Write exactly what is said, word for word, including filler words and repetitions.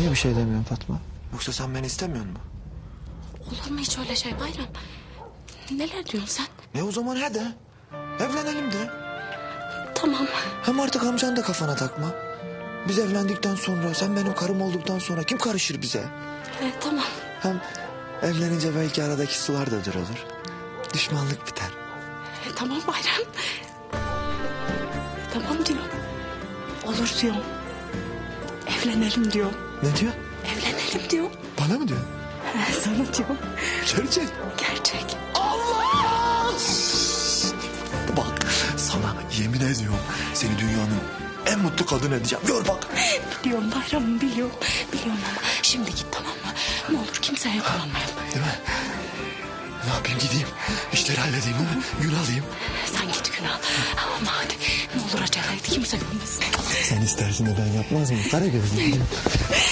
Niye bir şey demiyorsun Fatma? Yoksa sen beni istemiyor musun? Olur mu hiç öyle şey Bayram? Neler diyorsun sen? Ne o zaman he de. Evlenelim de. Tamam. Hem artık amcan da kafana takma. Biz evlendikten sonra, sen benim karım olduktan sonra kim karışır bize? E, tamam. Hem evlenince belki aradaki sular da durulur. Düşmanlık biter. E, tamam Bayram. Tamam diyorum. Olur diyorum. Evlenelim diyorum. Ne diyor? Evlenelim diyorum. Bana mı diyor? He, sana diyorum. Gerçek. Gerçek. Allah! Bak sana yemin ediyorum seni dünyanın en mutlu kadını edeceğim. Gör bak. Biliyorum Bayram'ım biliyorum. Biliyorum ama şimdi git tamam mı? Ne olur kimseye yakalanmayalım. Değil mi? Ne yapayım gideyim? İşleri halledeyim değil mi? Gün alayım. Sen git Günal. Ama hadi ne olur acele et kimse görmesin. Sen istersin de ben yapmaz mıyım? Kara gözlüm.